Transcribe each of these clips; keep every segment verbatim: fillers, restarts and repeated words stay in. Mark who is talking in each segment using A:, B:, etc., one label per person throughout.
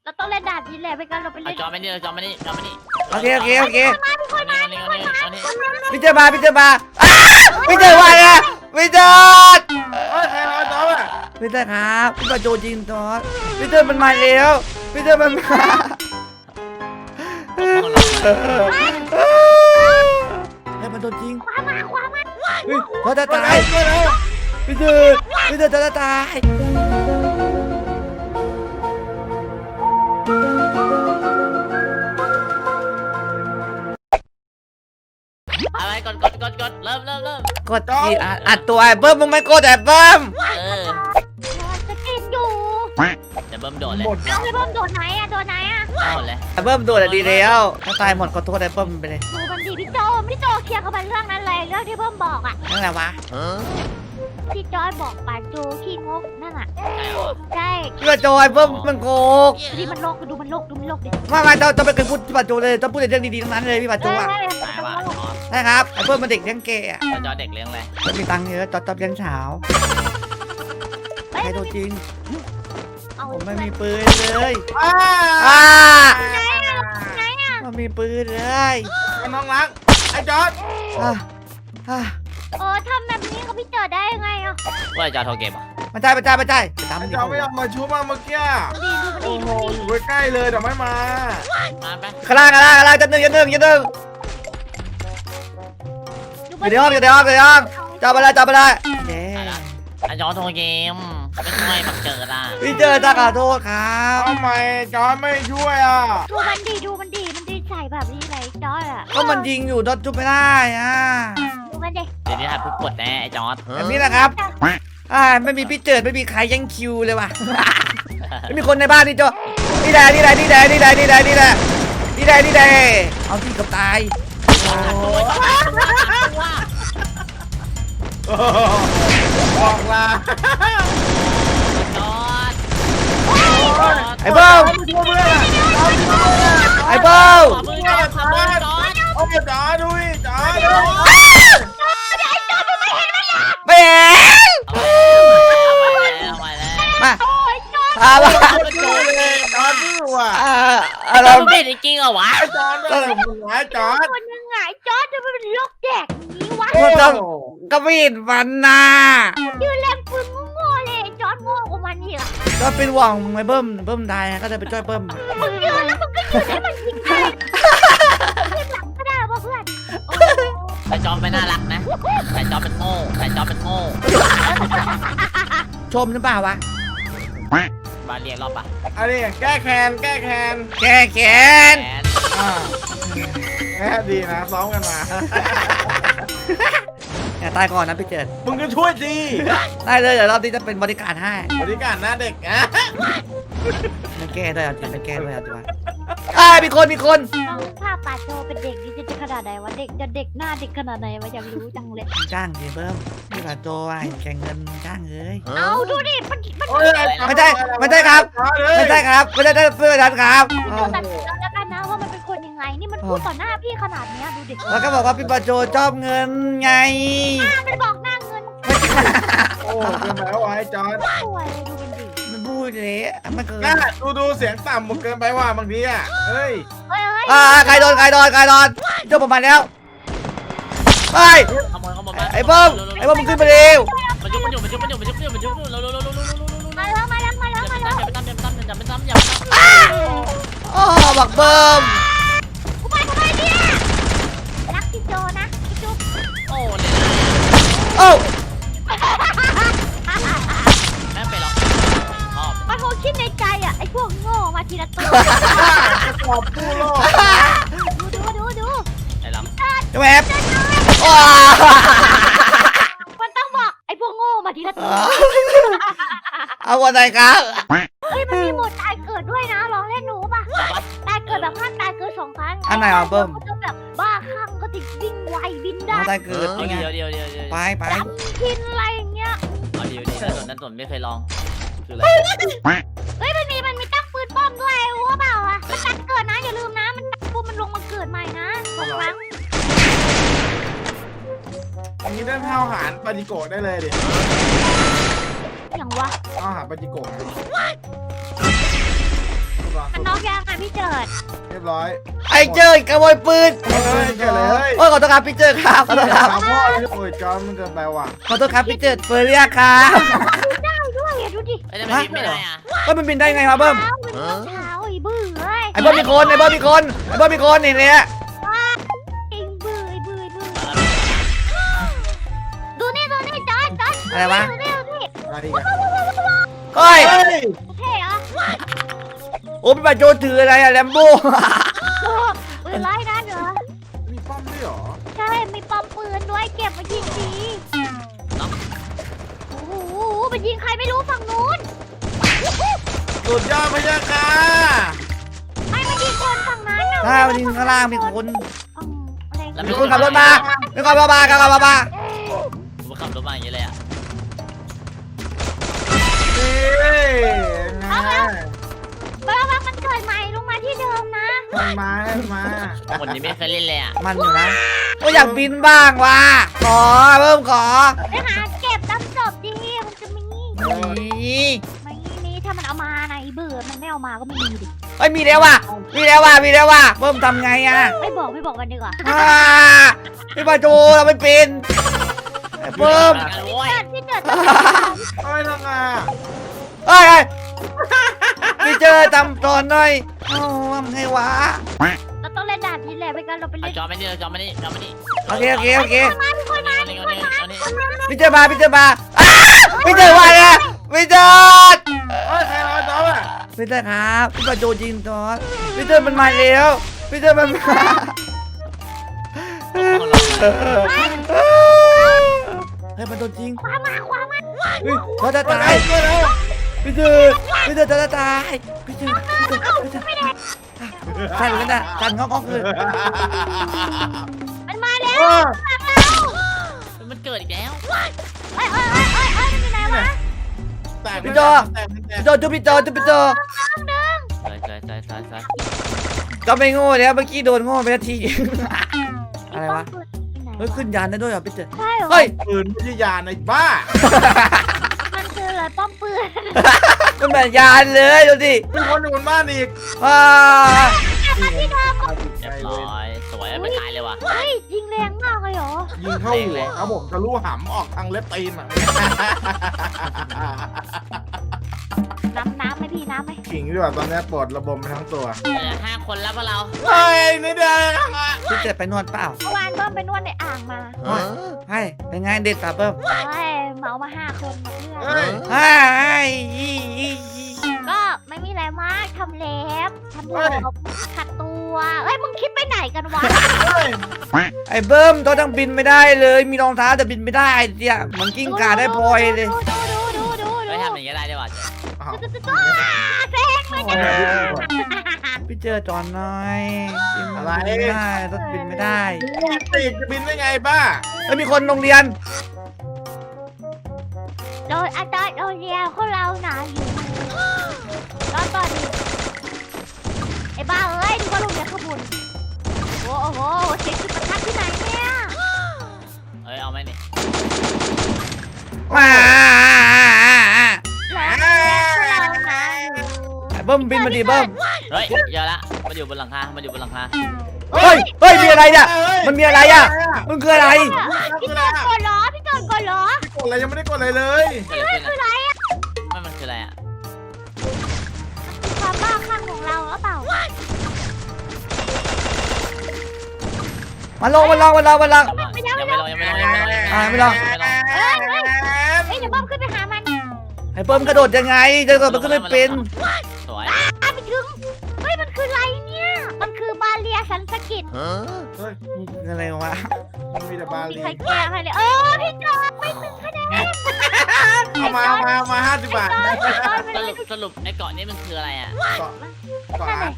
A: เราต้องเล่นด่านนี้แหละไม่งั้นเราไป
B: เอา
A: เล่น
B: จอไม่นี่จอไม่นี่จอไม่นี่
C: โอเคโอเคโอเค
B: เอานี่เอานี่เอานี่เอานี่
C: พี่เจอมาพี่เจอมาอ้าพี่เจอมาไงพี่เจอ
D: เฮ้ยใครรอจอบอ่ะ
C: พี่เจอครับพี่ปาโจจริงจอดพี่เจอมันมาแล้วพี่เจอมันมาเฮ้ยมันโดนจริง
A: คว้ามาคว้ามา
C: เฮ้ยเขาจะตายพี่เจอพี่เจอจะตาย
B: อะไรกดกดกดกดเริ่มเริ่มเริ่ม
C: กดทีอัดตัวไอ้เบิ้มมึงไม่กดไอ้เบิ้ม
B: เออ
A: จะกินอยู่
B: จะเบิ่มโดดเลย
D: หมด
A: เอาไปเพิ่มโดดไหนอะโดดไหนอะ
B: เอาเลย
C: ไอ้เบิ้มโดดอะดีแล้วถ้าตายหมดขอโทษไอ้เบิ้มไปเลย
A: ดูมันดีพี่โจพี่โจเคลียร์กับมันเรื่องนั้นเลยเรื่องที่เพิ่มบอกอะ
C: นั่นแหละวะ
A: ที่จอยบอกปาโจขี้งกนั่นอะ
B: ใช่เหรอ
A: ใช่
C: พี่ปาโจไอ้เบิ้มมันโกก
A: ดูมันโลกดูมันโลกดูมันโลกดิ
C: ไม่ไม่ต้องต้องไปเคยพูดพี่ปาโจเลยต้องพูดแต่เรื่องดีๆทั้งนั้นเลยพี่ปาโจอ่ะ
B: ตายว่ะจอ
C: ใช่ครับไอ้เบิ้มมันเด็กเลี้ยงเกย์อ่ะ
B: จอเด็กเลี้ยงอะไร
C: มันมีตังค์เยอะจอดจอบเลี้ยงเช้าใครโดนจริง
A: เอา
C: ผมไม่มีปืนเลย
D: อ้า
C: อ่า
A: ไหนอะไหนอะ
C: มันมีปืนเลย
D: น้องรักไอ้จอด
C: อ่ะอ่ะ
A: เออทำแบบนี้กับพี่เจอได้ยังไงอะ
B: ว่าจอโทรเกมอ่ะ
C: มาใจมาใจมาใจไปตาม
D: ไอ้
C: มันดิ
D: จอดไม่ยอมมาชุบมาเมื่อกี้
A: ดูดิดู
D: โอ้
A: มัน
D: โห
A: ดี
D: อยู่ใกล้ๆเลยแต่ไม่มา
B: มาไป
C: ข้างล่างข้างล่างข้างล่างจะหนึ่งจะหนึ่งจะหนึ่ง
A: ดู
C: อยู่ในห้องอยู่ในห้องอยู่ในห้องจับไปเลยจับไปเลยเย้
B: ไอจอโทรเกมไม่ช่วยบักเจออ่ะ
C: พี่เจอตาขอโทษครับ
D: ทำไมจอดไม่ช่วยอ่ะ
A: ดูมันดีดูมันดีมันดีใส่แบบนี้เลยจอยอะ
C: ก็มันยิงอยู่ดอทจุบไม่ได้อ่ะ
A: ดูมันดิ
B: เดี๋ยวนี้ถ่ายผู้กดแน่ไอจอร์ด
C: แบบนี้นะครับอ่าไม่มีพี่เจิดไม่มีใครแย่งคิวเลยว่ะ ไม่มีคนในบ้านนี่จ้ะนี่แหละนี่แหละนี่แหละนี่แหละนี่แหละนี่แหละนี่แหละนี่แหละเอาที่กับตาย
D: บอกลา
B: จอร์ด
C: ไอ้เบิ้ม
D: ช่วยเพื่อนเอาช่วยเพื่อน
C: ไอ้เบิ้ม
B: ขอมือจอร์ดขอมือจอร์ด
D: โอ้จอดดูดิจอดดู
C: ไม่เห็น
B: เอาไปแล้ว
C: มา
A: โอ้ยจอย
C: พามา
D: ดูเลยจอดดูอ่ะ
C: อ่าอ่า
B: เอา
C: เรา
B: เราเด็ดจริงเหรอวะ
D: ไอ้จอดด้วยมึงไอ้จอด
A: คนยังไงจอยจะเป็นโรคแดกอย่างนี้วะ
C: เราต้องกระวิดมันนะ
A: ยืนเล่นปืนโง่ๆเลยจอยโง่กว่ามันอีกอะ
C: ก็เป็นหวังไอ้เบิ้มเบิ้มตายก็จะไปช่วยเบิ้ม
A: มึงยืนแล้วมึงก็ยืนให้มันยิงได้ขึ้นหลังก็ได้ป่ะเพื่อนโอ้
B: แต่จอร์ดไม่น่ารักนะแต่จอร์ดเป็นโง่แต่จอร์ดเป็นโง่
C: ชมหรือเปล่าวะ
B: มาเรียนรอบปะ
D: อันนี้แก้แค้นแก้แค้น
C: แกแขน
B: แอน
D: อ่าแค่ดีนะซ้อมกันมา
C: อย่าตายก่อนนะพี่เจิด
D: มึงก็ช่วยสิ
C: ได้เลยเดี๋ยวรอบนี้จะเป็นบริการให้
D: บริการหน้าเด็กอ่ะ
C: ไม่แก้ด้วยเอาจริงไม่แก้ด้วยเอาจริงอ่ามีคนมีคน
A: ต้องภาพปาโจเป็นเด็กนี่จะขนาดไหนวะเด็กจะเด็กหน้าเด็กขนาดไหนวะอยากรู้จังเลย
C: จ้างดิเบิ้มพี่ปาโจอ่ะแข่งเงินจ้างเลย
A: เอาดูดิมันมัน
C: ไม่ใช่ไม่ใช่ครับ ไม่ใช่ครับไม่ใช่เพื่อนกันครับ
A: ตัดสินแล้วกันนะว่ามันเป็นคนยังไงนี่มันพูดต่อหน้าพี่ขนาดเนี้ยดูดิ
C: แล้วก็บอกว่าพี่ปาโจชอบเงินไง
A: มันบอกหน้าเงิน
D: โอ้เป็นแล้วไอ้จอร์ด
A: สวยดูมันดิ
C: มันพูดเลยมันเกิน
D: น่าดูดูเสียงต่ำมึงเกินไปว่าบางทีอ่ะเฮ้ย
A: เฮ้ยเฮ้ย
C: อ่าใครโดนใครโดนใครโดนเจ้าประมาณแล้วไอ้
B: ขโมยขโมยมา
C: ไอ้เบิ้มไอ้เบิ้มมึงขึ้นมาเร็ว
B: มันยุบมันยุบมันยุบมันยุบมันยุบมันยุบมันยุบเร็วเร็วเร็วเร็วเร็วเร็วเร็ว
A: มาแล้วมาแล้วมาแล้วมาแล้ว
B: อย่าไปตั้มอย่าไปตั้มอย่าไปตั้มอย่าไปตั้มอย่าไปตั้ม
C: อ๋อบักเบิ้ม
A: กูไปกูไปเนี่ยรักพี่โจนะพี่จุ๊บ
B: โอ้เลย
C: โอ้
B: แม่ไปหรอกชอบ
A: มันคงคิดในใจอ่ะไอ้พวกโง่มาทีละตัว
D: ขอบผู้โลก
A: ดูดูดูดู
B: ไอ้ลำ
C: จะแอบว้า
A: มันต้องบอกไอ้พวกโง่มาทีละตัว
C: เอาวันไหนครับ
A: เฮ้ยมันมีโหมดตายเกิดด้วยนะลองเล่นหนูป่ะตายเกิดแบบห้ามตายเกิดสองครั้งก็จะแบบบ้าคลั่งก็ติดวิ่งไวบินได้
C: เอาได้เกิด
B: เดี๋
C: ยังไง
B: ยวเดี๋ยวเดี๋ยวเดี๋ยว
C: ไปไป
A: กินอะไรอย่างเงี้ย
B: เอาเดี๋ยวเดี๋ยวนั่นส่วนนั่นส่วนไม่เคยลองคืออะไร
A: เฮ้ยมันมีมันมีตั้งปืนป้อมด้วยรู้เปล่าอ่ะมันตัดเกิดนะอย่าลืมนะมันตัดปุ๊บมันลงมาเกิดใหม่นะสองครั้ง
D: อันนี้ได้เท่าหารปาจิโกะได้เลยดิ
A: อย่างวะ
D: เท่าหารปาจิโกะนะ
A: มันพี่เจิด
D: เรียบร้อย
C: ไอ้เจอขโมยปืน
D: เฮ้ยเกิดเลย
C: โอ้ยขอโทษครับพี่เจอครับขอโทษครับ
D: ถามพ่อเลยโอ้ยจอนมันเกินไปว่ะ
C: ขอโทษครับพี่เจอเฟอร์เรียครับ
A: ได้ด้วยอ่ะดูดิ
B: ไอ้จะไปบินไม่ได้อ่ะ
C: ก็มันบินได้ไงครับเบิ้ม
A: เท้าเป็นรองเท้าไอ้บื้อเอ้ย
C: ไอ้เบิ้มมีคนไอ้เบิ้มมีคนไอ้เบิ้มมีคนนี่เนี่ย
A: ไอ้บื้อไอ้บื้อไอ้บื้อดูนี่ดูนี่จอนจอน
C: อะไรวะ
A: ดูนี่ดูนี่
D: อะไรอีกอะ
C: เฮ้ย
D: เฮ้ย
A: เท่เหรอ
C: โอ้พี่บาโจถืออะไรอะแลมโบ้
A: โอ้ปืนไล่นั่นเหรอ
D: มีป้อมด้วยเหรอ
A: ใช่มีปอมปืนด้วยเก็บมายิงทีโอ้โหมันยิงใครไม่รู้ฝั่งนู้น
D: สุดยอดพยาค่ะ
A: ไม่มันยิงคนฝั่งนั้นน่ะ
C: ถ้าวันนี้ข้างล่างมีคน
A: อืมอะไร
C: มีคนขับรถมามีคนขับรถมาขับรถมา
B: ผมขับรถมาอย่างนี้เลยอ่ะ
D: นี่ไง
A: เบอร์ว่ามันเกิดใหม่ลงมาที่เดิมนะ
D: มันมาให้มา
B: คนนี้ไม่เคยเล่นเลยอ่ะ
C: มันอยู่นะก็อยากบินบ้างว่ะขอเพิ่มขอ
A: ไปหาเก็บน้ำศพดิมันจะมี
C: นี่
A: ไม่มีถ้ามันเอามานะไอ้เบื่อมันไม่เอามาก็ไม่มีดิ
C: เฮ้ยมีแล้วว่ะมีแล้วว่ะมีแล้วว่ะเพิ่มทำไงอ่ะ
A: ไม่บอกไม่บอกกันดีกว่า
C: อ่าพี่บาโจเราไม่เป็นไอ้เพิ่ม
B: กันโว้ย
A: เกิดพี่เกิด
D: เฮ้ยทำไงอะ
C: เฮ้ยเฮ้ยพี่เจอทำตอนหน่อยโอ้ทำไงวะ
A: เราต้องเล่นด่านนี้แหละไม่งั้นเราไป
B: เอา
A: เล่น
B: จอไม่นี่เอาจอไม่นี่จอไม่นี่
C: โอเคโอเคโอเค
A: มาทุกคนมา
B: เอา
A: ทุ
B: นี่
A: ก
B: เอา
A: คน
B: นี่
A: มา
B: เอานี่
C: พี่เจอมาพี่เจอมาอ้าพี่เจอมาเนี่ยพี่เจอ
D: เฮ้ยใครรอจอนอ่ะ
C: พี่เจอครับพี่บาโจจริงตอนพี่เจอมันมาแล้วพี่เจอมันมาเฮ้ยมันโดนจริง
A: ขวามาขวามา
C: เฮ้ยเขาจะตาย
D: ช่วยแล้ว
C: พี่เจอพี่เจอจะตายพี่เจอพี่เจอพี่เจอสั่นกันนะสั่นงอกๆเลย
A: มันมาแล้ว
D: เออ
B: มันเกิดอีกแล้ว
A: เอ้ยเอ้ยเอ้ยเอ้ยเอ้ยมันอยู่ไหนวะ
D: แตก
C: พี่โจ
D: แตกแตก
C: พี่โจจุ๊บพี่โจจุ๊บพี่โจ
B: ใส่ใส่ใส่ใส่ใส่
C: ก็ไม่โง่แล้วเมื่อกี้โดนโง่ไปนาทีอะไรวะ
A: ไอ้
C: เฮ้ยขึ้นยานได้ด้วยเหรอพี่เจอ
A: ใช่เหรอ
C: เฮ้ย
D: ปืนไม่ใช่ยาในบ้า
A: มันคืออะไรป้อมปืน
C: มันเหมือนยานเลยดูดิ
D: มีคนอยู่บนบ้านอีก
C: ว้า
A: มาที่เดิม
B: เรียบร้อยสวยไม่ตายเลยว่ะ
A: เฮ้ยยิงแรงมากเลยเหรอ
D: ยิงเข้าหัวครับผมทะลุหำออกทางเล็บตีนอ่ะ
A: น้ำน้ำไหมพี่น้ำไหม
D: ขิงดีกว่าตอนนี้ปวดระบมไปทั้งตัว
B: เหลือห้าคนแล้วพวกเรา
D: เฮ้ยนี่เดียว
C: พี่เจอไปนวดเปล่า
A: เมื่อวานเบิ้มไปนวดในอ่างมา
C: ให้เป็นไงเด็ดตาเพิ่ม
A: เฮ้ยเหมามาห้าคนมาเพื่อน
D: เฮ้ย
C: ให้
A: ก็ไม่มีอะไรมากทำเล็บทำผมขัดตัวเอ้ยมึงคิดไปไหนกันวะ
D: เฮ้ย
C: ไอ้เบิ้มตัวต้องบินไม่ได้เลยมีรองเท้าแต่บินไม่ได้เนี่ยมันกิ้งก่าได้พลอยเลย
A: ดูดูดูดูดู
B: ไม่ทำอย่างนี้ได้ด้วยว่ะ
D: อ้าว
A: ดูดูดูแซงเลยจ้ะ
C: พี่เจอจอนหน่อยบินไม่ได้รถบินไม่ได้
D: ปีกจะบินได้ไงบ้า
C: เอ้ยมีคนโรงเรียน
A: โดยอาจารย์โรงเรียนของเราหนาอยู่แล้วตอนนี้ไอ้บ้าเอ้ยดูว่าโรงเรียนขบุนโอ้โหเช็คจุดประทัดที่ไหนเนี่ย
B: เอ้ยเอาไหมนี่
C: ว้า
A: แล้วโรงเรียนของเราหนาอยู่
C: ไอ้เบิ้มบินมาดิเบิ้ม
B: เฮ้ยเยอะละมันอยู่บนหลังคามันอยู่บนหลังคา
C: เฮ้ยเฮ้ยมีอะไรเนี่ยมันมีอะไรอ่ะมันคืออะไร
A: พี่โจนกดล้อพี่โจนกดล้อ
D: กดอะไรยังไม่ได้กดอะไรเลย
B: เกิดอะไรขึ้นอะไม่มันคืออะไรอ่ะ
A: ความบ้าคลั่งของเราหรือเปล่า
C: มาลงมาลงมาลงมาลง
B: ยังไม่ลงยังไม่ลงยังไม่ลง
C: อ่าไม่ลง
B: ยังไม่ลง
A: เอ้ยเอ้ยเอ้ยเดี๋ยวบ้อมขึ้นไปหามัน
C: ไอ้เบิ้มกระโดดยังไงจะกระโดดมันก็ไม่เป็น
B: สวย
A: อ้าไปถึงเฮ้ยมันคืออะไรเนี่ยมันคือบาเรียสันสกิต
D: เฮ้ย
C: อะไรวะ
D: มันมีแต่บา
A: มี
D: ลี
A: ใครแก้ให้เลยเออพี่โจนไม่ถึงคะแนน
D: เอามาเอามาเอามาห้าสิบบาท
B: สรุปสรุปไอ้เกาะนี้มันคืออะไรอ่ะ
D: เกาะเกาะอ่ะ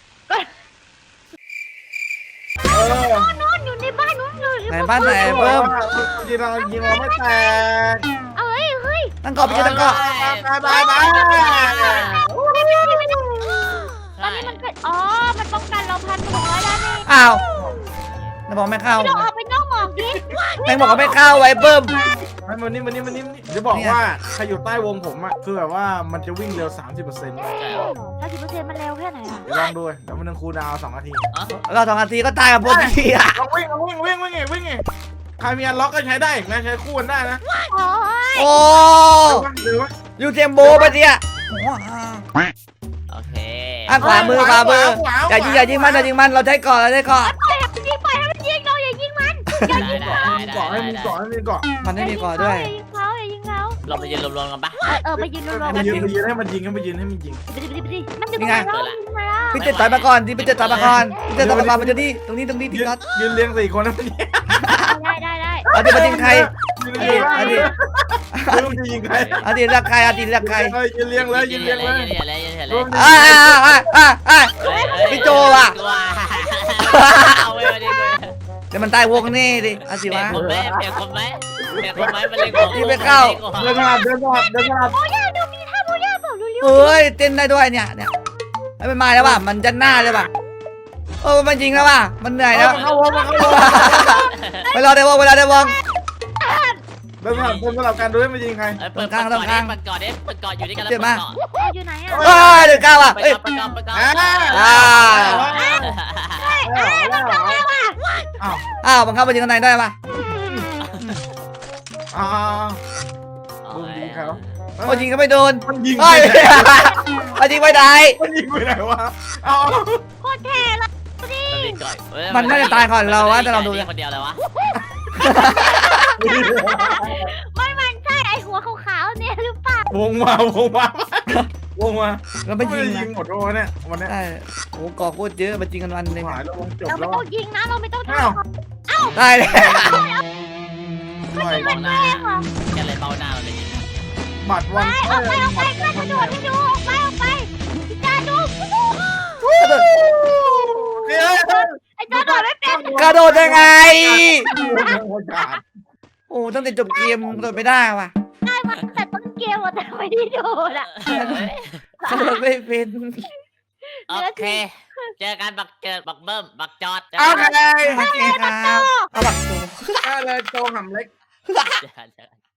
D: เออ
A: นอนอยู่ในบ้านนู้นเลย
C: ไหนบ้านไหนเบิ้ม
D: ยิงเรายิงเราไม่แตก
A: เอ้ยเฮ้ย
C: ตั้งเกาะไปตั้งเกาะ
D: บายบายบาย
A: ไม่ไม่ไม่ไม่ตอน
B: ใช่
A: นี้มันเกิดอ๋อมันป้องกันเราพันหกร้อยแล้วนี่
C: อ้าวจะบอกไม่เข้า
A: เราออกไปนอกหมอกดิ
C: แม่งบอกว่าไม่เข้าไอ้เบิ้ม
D: เอมันมันนี่มันนี่มันนี่จะบอกว่าใครอยู่ใต้วงผมอ่ะคือแบบว่ามันจะวิ่งเร็ว สามสิบเปอร์เซ็นต์
B: ใช่เหรอ
A: ถ้าสิบเปอร์เซ็นต์มันเร็วแค่ไหนอ่ะ
D: เดี๋ยวลองดูเดี๋ยวมันต้องคูลดาวน์สองนาที
B: อ๋อ
C: เราสองนาทีก็ตายกับพวกพี่อ่ะ
D: ลองวิ่งลองวิ่งวิ่งวิ่งไงวิ่งไงใครมีอันล็อกก็ใช้ได้อีกนะใช้คู่กันได้นะ
A: โอ้ย
C: โอ้
D: หรือว่า
C: ยูเทมโบปะเนี่ยโอ้
B: โอเค
C: อ่ะขวามือขวามืออย่ายิงอย่ายิงมันอย่ายิงมันเราใช้ก่อนเราใช้ก่อน
A: ปล่อยให้มันยิงปล่อยให้มันยิงเราอย่ายิงมันอย่า
B: ได้
A: ยิง
B: ได้
A: เขา
B: ได้
D: เกาะให้
B: ได้
D: มี
B: ได้
D: เกาะให้มีเกาะ
C: มันไม่มีก่อนด้วย
A: อย่ายิงเขาอย่ายิงเขา
B: เราไปยืนรวมๆกันปะ
A: เออเออไปยืนรวมๆ
D: ไป
A: กัน
D: ยืนไปยืนให้มันยิงให้มันยิงให้มันยิง
A: ไปดิไปดิไปดิมันอยู่ตรงไหนเรายิงมาแล้ว
C: พี่เจต่อยมาก่อนที่พี่เจต่อยมาก่อนพี่เจต่อยมาก่อนมันจะนี่ตรงนี้ตรงนี้
D: ยื
C: ที่
D: น
C: ก๊อต
D: ยืนเรียงสี่คนให้มันยิง
A: ได้ได้ได้
C: เอาดิมายิงใคร
D: ยืนเรียง
C: เอาดิ
D: ไม่รู้จะยิงใคร
C: เอาดิรักใครเอาดิรักใคร
D: ยืนเรียงเลยยืนเรียงเลย
B: ยืนเรียงเลยยืนเรียงเลย
C: อ่าอ่าอ่าอ่า พี่โจว่ะ
B: เอาไว้มาดิ
C: เดี๋ยวมันตายวงนี่ดิเอาสิ
B: เปลี่
C: วะ
B: ยนคนไหมเปลี่ยนคนไหมเปลี่ยนคนไหมมันเล่นของ
C: ยิงไม่เข้า
D: เดินสลับเดินสลับเดินสลับ
A: โอ้ยดูมีท่าโบย่าเปล่าเร็ว
C: เฮ้ยเต้นได้ด้วยเนี่ยเนี่ยให้มันมาแล้วว่ะมันจะหน้าเลยว่ะโอ้มันยิงแล้วว่ะมันเหนื่อยแล้ว
D: เข้าวงมาเข้าวง
C: เวลาเดี๋ยววงเวลาเดี๋ยววง
D: เดินสลับเดินสลับกันดูให้มันยิงใคร
B: เปิดเปิดก่อนเปิดก่อนเปิดก่อนอยู่ด้วยกันแล้วเปิดก่อน
A: ๆอยู่ไหนอ่ะ
C: เอ้ยเดือดก้าวอ่ะ
B: ไป
C: เอ้ย
B: ก่อนไปก่อนไปก่อน
C: อ่า
D: อ้าว
C: อ้าวมันเข้าไปยิงข้างในได้ป่ะ
D: อ้าวดูยิงเขา
C: โอ้ยิงก็ไม่โดน
D: มันยิง
C: เฮ้ยมันยิงไม่ได้
D: มันยิงไปไหนวะเอา
A: โคตรเท่เลยดิ
C: มันน่าจะตายก่อนเราวะแต่เราดู
B: คนเดียวเลยวะ
A: ไม่มันใช่ไอหัวขาวๆเนี่ยหรือเปล่าว
D: งมาวงมาวงมา
C: เราไม่ยิง
D: ยิ
C: นะ
D: งหมดวันนี้วันนี้
C: ใช่โอ้ก่อโคตรเยอะมันยิงกันวันหนึ่ง
D: หายแล้ววงจบ
A: เรา
D: แล้
A: ไม่
D: ว
A: ต้องยิงนะเราไม่ต้องท
D: อ้าว
C: ได้เลย
D: หน่อย
B: เบาหน้า
A: ำแรงเหรอ
B: แกเลยเบาหน้าเลย
D: บัตรวัน
A: ไปออกไปออกไปกล้ากระโดดให้ดูออกไปออกไปพี่จ้าดู
D: เฮ้ย
A: ไอ้จ้าโดดไม่เป็น
C: กระโดดยังไง
D: โอกาส
C: โอ้ตั้งแต่จบเกมกระโดดไม่ได้ว่ะ
A: ได้มาแต่ต้นเกมอะแต่ไม่ได้โดดอ่ะ
C: กระโดดไม่เป็น
B: โอเคเจอกันบักเกิดบักเบิ้มบักจอด
D: โอเค
C: โอเคครับเอาบักโต
D: ได้เลยโจหำเล็ก
B: เจอกัน